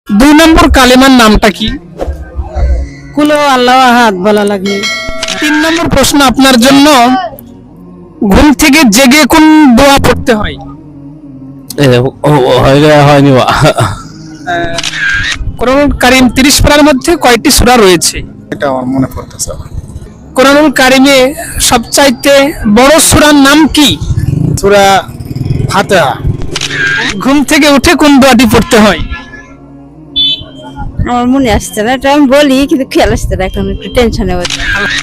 দুই নম্বর কালেমার নামটা কি? কুলো আল্লাহ আহাদ বলা লাগে। তিন নম্বর প্রশ্ন আপনার জন্য, ঘুম থেকে জেগে কোন দোয়া পড়তে হয়? হয়নি বা কোরআনুল কারীম 30 পারার মধ্যে কয়টি সূরা রয়েছে? এটা আমার মনে পড়তেছে না। কোরআনুল কারীমে সবচাইতে বড় সূরার নাম কি? সূরা ফাতিহা। ঘুম থেকে উঠে কোন দোয়াটি পড়তে হয়? আমার মনে আসছে না, এটা আমি বলি কিন্তু খেয়াল আসছে না, এখন একটু টেনশনে হচ্ছে।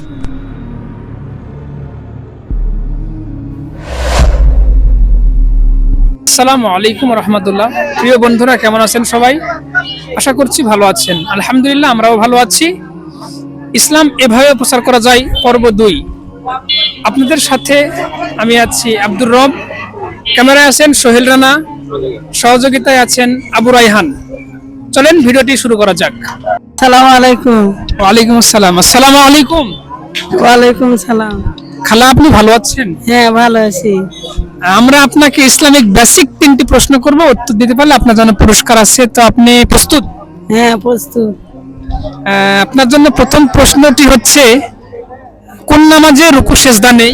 আসসালামু আলাইকুম রহমতুল্লাহ। প্রিয় বন্ধুরা, কেমন আছেন সবাই? আশা করছি ভালো আছেন। আলহামদুলিল্লাহ, আমরাও ভালো আছি। ইসলাম এভাবে প্রচার করা যায় পর্ব 2। আপনাদের সাথে আমি আছি আব্দুর রব, ক্যামেরায় আছেন সোহেল রানা, সহযোগিতায় আছেন আবু রায়হান। চলেন ভিডিওটি শুরু করা যাক। সালাম আলাইকুম। ওয়ালাইকুম আসসালাম। আসসালামু আলাইকুম। ওয়ালাইকুম সালাম। খালা, আপনি ভালো আছেন? হ্যাঁ, ভালো আছি। আমরা আপনাকে ইসলামিক বেসিক 3টি প্রশ্ন করব, উত্তর দিতে পারলে আপনার জন্য পুরস্কার আছে। তো আপনি প্রস্তুত? হ্যাঁ, প্রস্তুত। আপনার জন্য প্রথম প্রশ্নটি হচ্ছে, কোন নামাজে রুকু সেজদা নেই?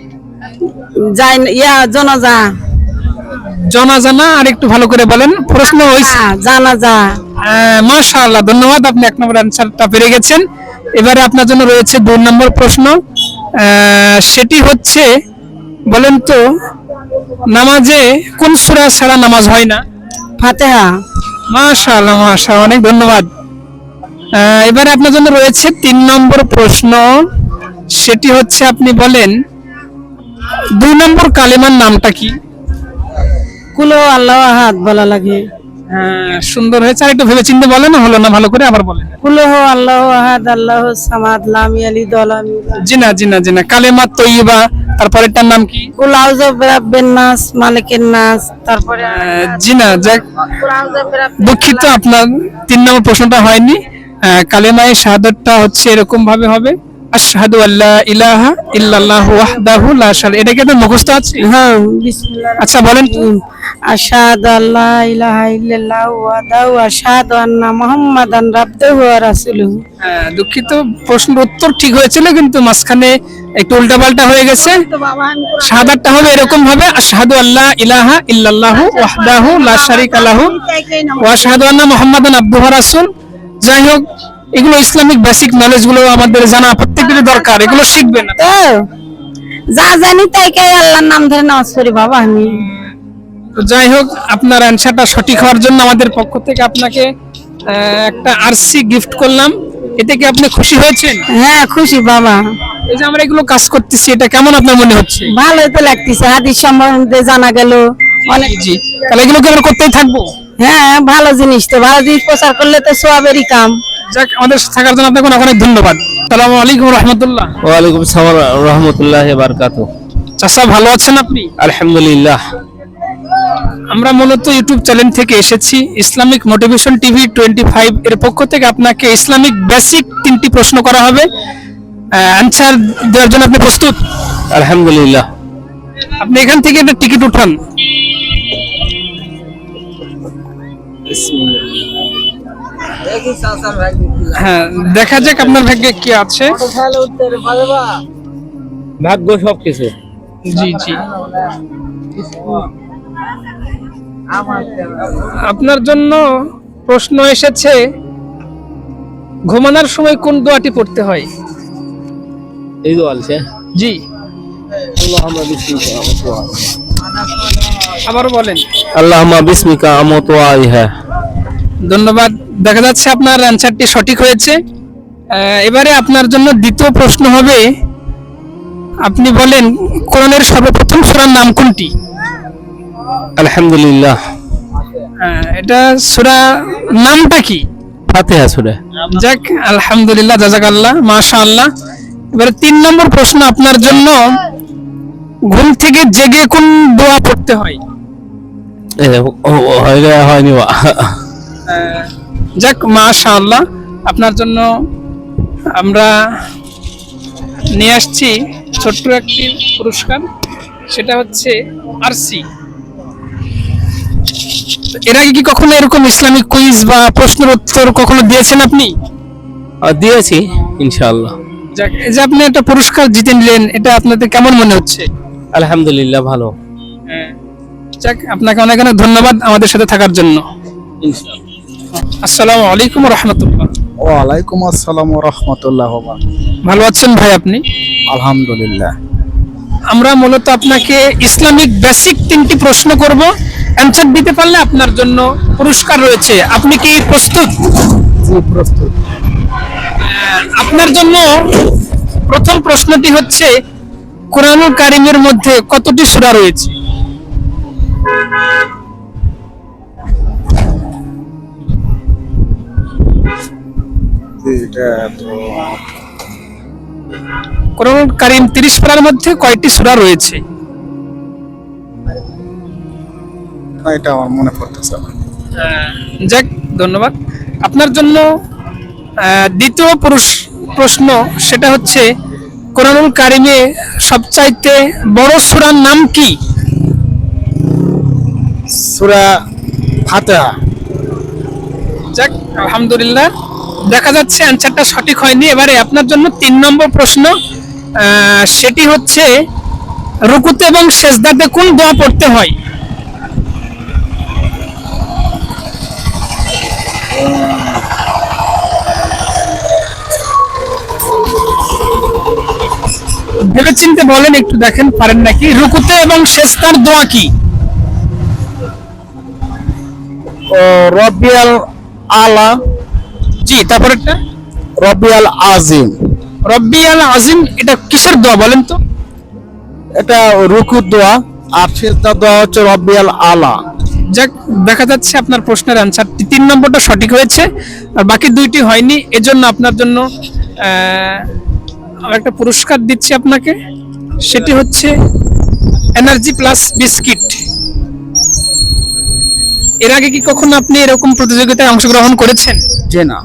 যাই জানাজা। জানাজা না, আর একটু ভালো করে বলেন। প্রশ্ন হইছে জানাজা। মাশাআল্লাহ, ধন্যবাদ, আপনি 1 নম্বর অ্যানসারটা পেরে গেছেন। এবারে আপনার জন্য রয়েছে 2 নম্বর প্রশ্ন। সেটি হচ্ছে, বলেন তো নামাজে কোন সূরা ছাড়া নামাজ হয় না? ফাতিহা। মাশাআল্লাহ মাশাআল্লাহ, অনেক ধন্যবাদ। এবারে আপনার জন্য রয়েছে 3 নম্বর প্রশ্ন। সেটি হচ্ছে, আপনি বলেন 2 নম্বর কালেমার নামটা কি? কুলো আল্লাহ আহাদ বলা লাগে। সুন্দর হয়েছে, আর একটু ভেবে চিন্তে বলেন, হলো না ভালো করে আবার বলেন। কুলো আল্লাহ আহাদ আল্লাহ সামাদ লাম ইয়ালিদ ওয়া লাম ইউলাদ। জি না, কালেমা তৈয়বা, তারপরেরটার নাম কি? কুল আউযু বিরাব্বিন নাস মালিকিন নাস। তারপরে জি না, যাক, কুল আউযু বিরাব্বিন দুঃখিত, আপনার 3 নম্বর প্রশ্নটা হয়নি। কালেমায়ে শাহাদাতটা হচ্ছে এরকম ভাবে হবে, আশহাদু আল্লা ইলাহা ইল্লাল্লাহু ওয়াহদাহু লা শারীকা। এটা কি আপনার মুখস্থ আছে? হ্যাঁ, বিসমিল্লাহ। আচ্ছা বলেন তো। আশহাদু আল্লা ইলাহা ইল্লাল্লাহু ওয়াহদাহু ওয়া আশহাদু আন্না মুহাম্মাদান আবদুহু ওয়া রাসূলুহু। দুঃখিত, প্রশ্নের উত্তর ঠিক হয়েছিল, কিন্তু মাঝখানে একটু উল্টাপাল্টা হয়ে গেছে। শাহাদাতটা হবে এরকম ভাবে, আশহাদু আল্লা ইলাহা ইল্লাল্লাহু ওয়াহদাহু লা শারীকা লাহু ওয়া আশহাদু আন্না মুহাম্মাদান আবদুহু ওয়া রাসূল। যাই হোক, এগুলো ইসলামিক বেসিক নলেজ গুলো আমাদের জানা প্রত্যেকেরই দরকার, এগুলো শিখবেন না। তো যা জানি তাই কে আল্লাহর নাম ধরে নামাজ পড়ি বাবা আমি। তো যাই হোক, আপনার অ্যানসারটা সঠিক হওয়ার জন্য আমাদের পক্ষ থেকে আপনাকে একটা আরসি গিফট করলাম। এতে কি আপনি খুশি হয়েছেন? হ্যাঁ, খুশি বাবা। এই যে আমরা এগুলো কাজ করতেছি, এটা কেমন আপনার মনে হচ্ছে? ভালোই তো লাগতেছে, হাদিস সম্বন্ধে জানা গেল অনেক। জি, তাহলে এগুলো কি আমরা করতেই থাকবো? হ্যাঁ, ভালো জিনিস, তো ভালো জিনিস প্রচার করলে তো সওয়াবেরই কাম। যাক, আমাদের সাথে থাকার জন্য আপনাকে অনেক অনেক ধন্যবাদ। আসসালামু আলাইকুম রহমতুল্লাহ। ওয়ালাইকুম আসসালাম রহমতুল্লাহি ওয়া বারাকাতুহু। চাচা, ভালো আছেন আপনি? আলহামদুলিল্লাহ। আমরা মূলত ইউটিউব চ্যানেল থেকে এসেছি, ইসলামিক মোটিভেশন টিভি 25 এর পক্ষ থেকে আপনাকে ইসলামিক বেসিক 3টি প্রশ্ন করা হবে। অ্যানসার দেওয়ার জন্য আপনি প্রস্তুত? আলহামদুলিল্লাহ। আপনি এখান থেকে একটা টিকিট উঠান। হ্যাঁ, দেখা যাক আপনার ভাগ্যে কি আছে। ভাগ্য সবকিছু। জি, আপনার জন্য প্রশ্ন এসেছে, ঘুমানোর সময় কোন দোয়াটি পড়তে হয়? এই তো আছে। জি, আল্লাহুম্মা বিসমিকা আমুতু ওয়া আবার বলেন। আল্লাহুম্মা বিসমিকা আমুতু ওয়া আহইয়া। ধন্যবাদ, দেখা যাচ্ছে আপনার অ্যানসারটি সঠিক হয়েছে। এবারে আপনার জন্য দ্বিতীয় প্রশ্ন হবে, আপনি বলেন কোরআনের সর্বপ্রথম সূরার নাম কোনটি? আলহামদুলিল্লাহ। এটা সূরা নামটা কি? ফাতিহা সূরা। যাক, আলহামদুলিল্লাহ, জাযাকাল্লাহ, মাশাআল্লাহ। এবারে 3 নম্বর প্রশ্ন আপনার জন্য, ঘুম থেকে জেগে কোন দোয়া পড়তে হয়? হয়নি বা যাক, মাশাআল্লাহ, আপনার জন্য আমরা নিয়ে আসছি ছোট্ট একটি পুরস্কার। সেটা হচ্ছে আরসি। এর আগে কি কখনো এরকম ইসলামিক কুইজ বা প্রশ্নের উত্তর কখনো দিয়েছেন আপনি? দিয়েছি ইনশাআল্লাহ। যাক, এই যে আপনি একটা পুরস্কার জিতে নিলেন, এটা আপনাদের কেমন মনে হচ্ছে? আলহামদুলিল্লাহ ভালো। যাক, আপনাকে অনেক অনেক ধন্যবাদ আমাদের সাথে থাকার জন্য। ইনশাআল্লাহ। আসসালামু আলাইকুম রহমতুল্লাহ। ওয়ালাইকুম আসসালাম রহমতুল্লাহ। ভালো আছেন ভাই আপনি? আলহামদুলিল্লাহ। আমরা মূলত আপনাকে ইসলামিক বেসিক 3টি প্রশ্ন করব, অ্যানসার দিতে পারলে আপনার জন্য পুরস্কার রয়েছে। আপনি কি প্রস্তুত? জি প্রস্তুত। আপনার জন্য প্রথম প্রশ্নটি হচ্ছে, কোরআনুল কারীমের মধ্যে কতটি সূরা রয়েছে? এটা তো কোরআনুল কারীম 30 পারার মধ্যে কয়টি সূরা রয়েছে? এটা আমার মনে পড়তেছে না। যাক, ধন্যবাদ। আপনার জন্য দ্বিতীয় প্রশ্ন, সেটা হচ্ছে, কোরআনুল কারীমে সবচাইতে বড় সূরার নাম কি? সূরা ফাতিহা। যাক, আলহামদুলিল্লাহ। দেখা যাচ্ছে অ্যানসারটা সঠিক হয়নি। এবারে আপনার জন্য 3 নম্বর প্রশ্ন, সেটি হচ্ছে, রুকুতে এবং সেজদাতে কোন দোয়া পড়তে হয়? ভেবেচিন্তে বলেন, একটু দেখেন পারেন নাকি। রুকুতে এবং সেজদার দোয়া কি? ও রব্বিয়াল আলা, জি, তারপরেরটা রব্বিয়াল আজিম। রব্বিয়াল আজিম, এটা কিসের দোয়া বলেন তো? এটা রুকুর দোয়া, আর সিজদার দোয়া হচ্ছে রব্বিয়াল আলা। যাক, দেখা যাচ্ছে আপনার প্রশ্নের অ্যানসারটি 3 নম্বরটা সঠিক হয়েছে, আর বাকি 2টি হয়নি। এজন্য আপনার জন্য আমি একটা পুরস্কার দিচ্ছি আপনাকে, সেটি হচ্ছে এনার্জি প্লাস বিস্কিট। এর আগে কি কখনো আপনি এরকম প্রতিযোগিতায় অংশগ্রহণ করেছেন? যে না।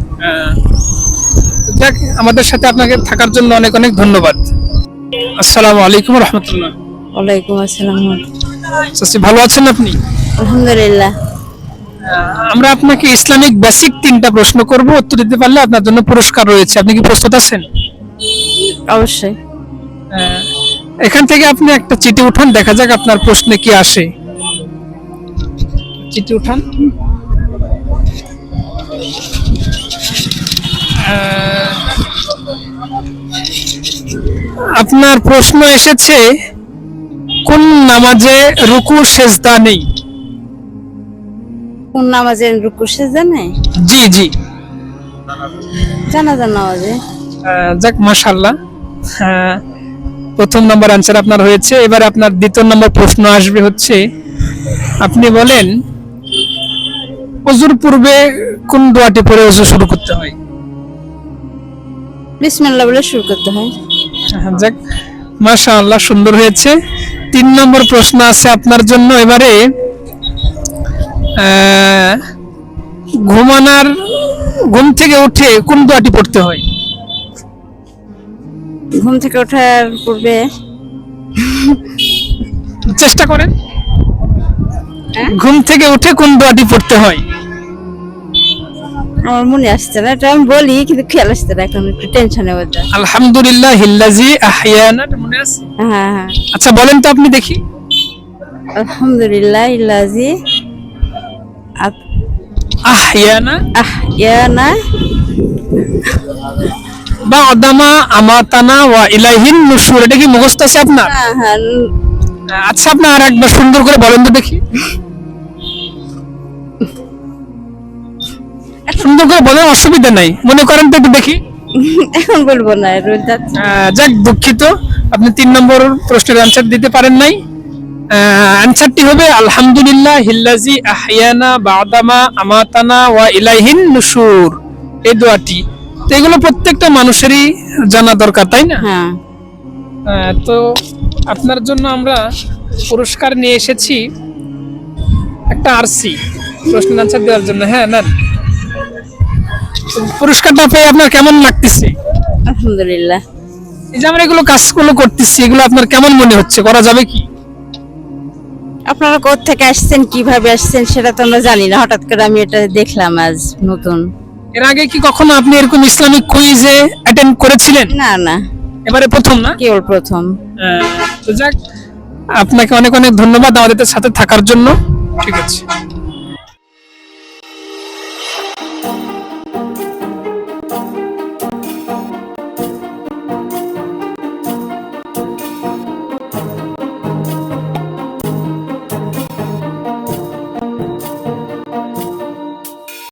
যাক, আমাদের সাথে আপনাকে থাকার জন্য অনেক অনেক ধন্যবাদ। আসসালামু আলাইকুম রহমতুল্লাহ। ওয়ালাইকুম আসসালাম। চাচি, ভালো আছেন আপনি? আলহামদুলিল্লাহ। আমরা আপনাকে ইসলামিক বেসিক 3টা প্রশ্ন করব, উত্তর দিতে পারলে আপনার জন্য পুরস্কার রয়েছে। আপনি কি প্রস্তুত আছেন? অবশ্যই। এখান থেকে আপনি একটা চিঠি উঠান, দেখা যাক আপনার প্রশ্নে কি আসে। চিঠি উঠান। আপনার প্রশ্ন এসেছে, কোন নামাজে রুকু সেজদা নেই? কোন নামাজে রুকু সেজদা নেই? জি জি। জানাজার নামাজে। যাক, মাশাআল্লাহ। প্রথম নম্বর অ্যানসার আপনার হয়েছে। এবার আপনার দ্বিতীয় নম্বর প্রশ্ন আসবে হচ্ছে, আপনি বলেন, ওযুর পূর্বে কোন দোয়াটি পড়ে ওযু শুরু করতে হয়? বিসমিল্লাহ বলে শুরু করতে হয়। যাক, মাশাআল্লাহ, সুন্দর হয়েছে। 3 নম্বর প্রশ্ন আছে আপনার জন্য। এবারে ঘুম থেকে উঠে কোন দোয়াটি পড়তে হয়? ঘুম থেকে ওঠার পূর্বে চেষ্টা করেন। হ্যাঁ? ঘুম থেকে উঠে কোন দোয়াটি পড়তে হয়? আমার মনে আসছে না, এটা আমি বলি কিন্তু খেয়াল আসছে না, এখন একটু টেনশনে মধ্যে। আলহামদুলিল্লাহিল্লাযী আহইয়ানা, মনে আছে? হ্যাঁ হ্যাঁ। আচ্ছা, বলেন তো আপনি দেখি। আলহামদুলিল্লাহ ইল্লাজি আহইয়ানা আহইয়ানা বা'দামা আমাতানা ওয়া ইলাইহিন নুশুর, এটা কি মুখস্থ আছে আপনার? হ্যাঁ হ্যাঁ। আচ্ছা, আপনি আর একবার সুন্দর করে বলেন তো দেখি। সুন্দর করে বলেন, অসুবিধা নাই, মনে করেন তো একটু দেখি। এখন বলবো না, রোজ যাচ্ছে। যাক, দুঃখিত, আপনি 3 নম্বর প্রশ্নের অ্যানসার দিতে পারেন নাই। অ্যানসারটি হবে আলহামদুলিল্লাহিল্লাযী আহইয়ানা বা'দামা আমাতানা ওয়া ইলাইহিন নুশুর, এই দোয়াটি। তো এগুলো প্রত্যেকটা মানুষেরই জানা দরকার, তাই না? হ্যাঁ। তো আপনার জন্য আমরা পুরস্কার নিয়ে এসেছি, একটা আরসি প্রশ্নের অ্যানসার দেওয়ার জন্য। হ্যাঁ, না, পুরস্কারটা পেয়ে আপনার কেমন লাগতেছে? আলহামদুলিল্লাহ। এই যে আমরা এগুলো কাজগুলো করতেছি, এগুলো আপনার কেমন মনে হচ্ছে? করা যাবে কি? আপনারা কোত্থেকে আসছেন, কিভাবে আসছেন সেটা তো আমরা জানি না, হঠাৎ করে আমি এটা দেখলাম আজ নতুন। এর আগে কি কখনো আপনি এরকম ইসলামিক কুইজে অ্যাটেন্ড করেছিলেন? না না, এবারে প্রথম না? কেবল প্রথম। তো যাক, আপনাকে অনেক অনেক ধন্যবাদ আমাদের সাথে থাকার জন্য। ঠিক আছে।